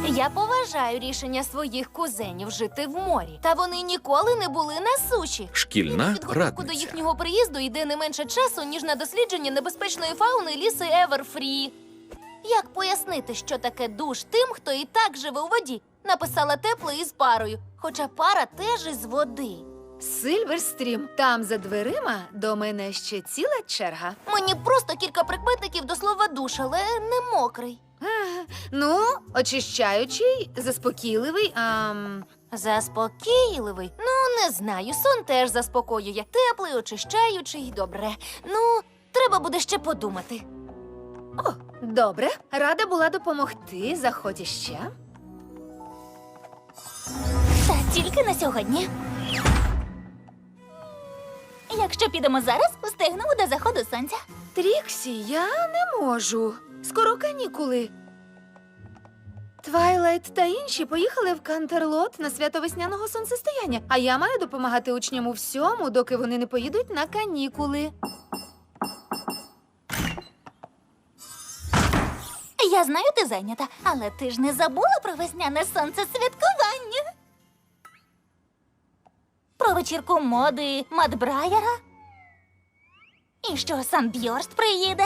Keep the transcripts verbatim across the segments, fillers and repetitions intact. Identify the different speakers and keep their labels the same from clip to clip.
Speaker 1: Я поважаю рішення своїх кузенів жити в морі. Та вони ніколи не були на суші.
Speaker 2: Шкільна
Speaker 1: Підготовку до
Speaker 2: радниця.
Speaker 1: їхнього приїзду йде не менше часу, ніж на дослідження небезпечної фауни ліси Еверфрі. Як пояснити, що таке душ тим, хто і так живе у воді? Написала тепле із парою, хоча пара теж із води.
Speaker 3: Сильверстрім, там за дверима до мене ще ціла черга.
Speaker 1: Мені просто кілька прикметників до слова душ, але не мокрий.
Speaker 3: Ну, очищаючий, заспокійливий, ам...
Speaker 1: Заспокійливий? Ну, не знаю, сон теж заспокоює. Теплий, очищаючий, добре. Ну, треба буде ще подумати.
Speaker 3: О, добре. Рада була допомогти. Заходь іще.
Speaker 4: Та тільки на сьогодні. Якщо підемо зараз, встигнемо до заходу сонця.
Speaker 3: Тріксі, я не можу. Скоро канікули. Твайлайт та інші поїхали в Кантерлот на свято весняного сонцестояння, а я маю допомагати учням у всьому, доки вони не поїдуть на канікули.
Speaker 4: Я знаю, ти зайнята, але ти ж не забула про весняне сонцесвяткування? Про вечірку моди Мадбрайера? І що Санбьорст приїде?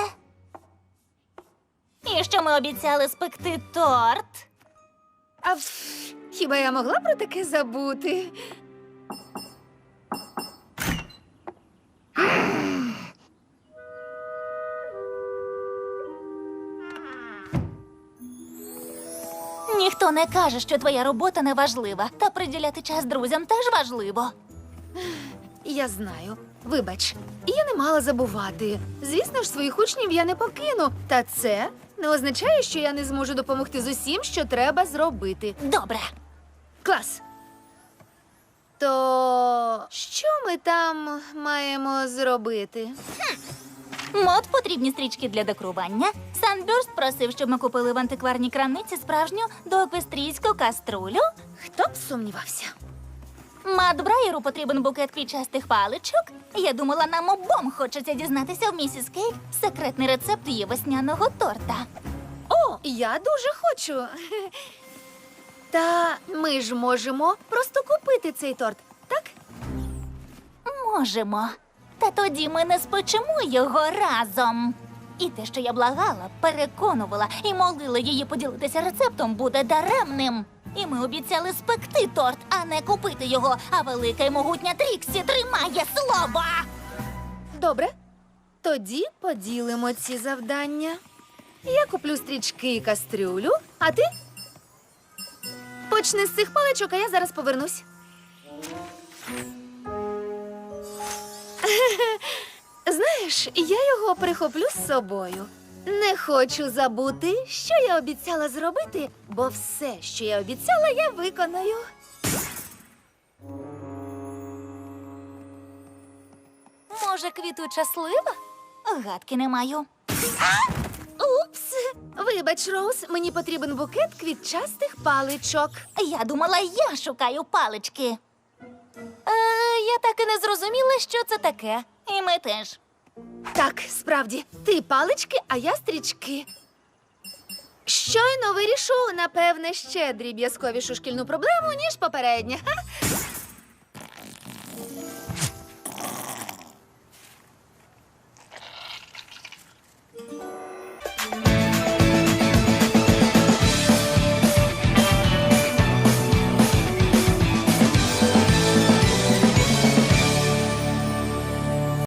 Speaker 4: І що ми обіцяли спекти торт?
Speaker 3: А пф, хіба я могла про таке забути?
Speaker 4: Ніхто не каже, що твоя робота не важлива, та приділяти час друзям теж важливо.
Speaker 3: Я знаю. Вибач, я не мала забувати. Звісно ж, своїх учнів я не покину. Та це не означає, що я не зможу допомогти з усім, що треба зробити.
Speaker 4: Добре.
Speaker 3: Клас. То що ми там маємо зробити?
Speaker 4: Мод потрібні стрічки для декорування. Санбюрст просив, щоб ми купили в антикварній крамниці справжню доеквестрійську каструлю.
Speaker 3: Хто б сумнівався?
Speaker 4: Мадбрайеру потрібен букет квітчастих паличок. Я думала, нам обом хочеться дізнатися в місіс Кейк секретний рецепт її весняного торта.
Speaker 3: О, я дуже хочу. Та ми ж можемо просто купити цей торт, так?
Speaker 4: Можемо. Та тоді ми не спечемо його разом. І те, що я благала, переконувала і молила її поділитися рецептом, буде даремним. І ми обіцяли спекти торт, а не купити його. А велика й могутня Тріксі тримає слово.
Speaker 3: Добре. Тоді поділимо ці завдання. Я куплю стрічки і кастрюлю, а ти? Почни з цих паличок, а я зараз повернусь. Знаєш, я його прихоплю з собою. Не хочу забути, що я обіцяла зробити, бо все, що я обіцяла, я виконаю.
Speaker 1: Може, квітуча слива?
Speaker 4: Гадки не маю.
Speaker 3: Упс! Вибач, Роуз, мені потрібен букет квітчастих паличок.
Speaker 4: Я думала, я шукаю палички.
Speaker 1: Е, я так і не зрозуміла, що це таке.
Speaker 4: І ми теж.
Speaker 3: Так, справді, ти палички, а я стрічки. Щойно вирішу, напевне, ще дріб'язковішу шкільну проблему, ніж попередня. Ха?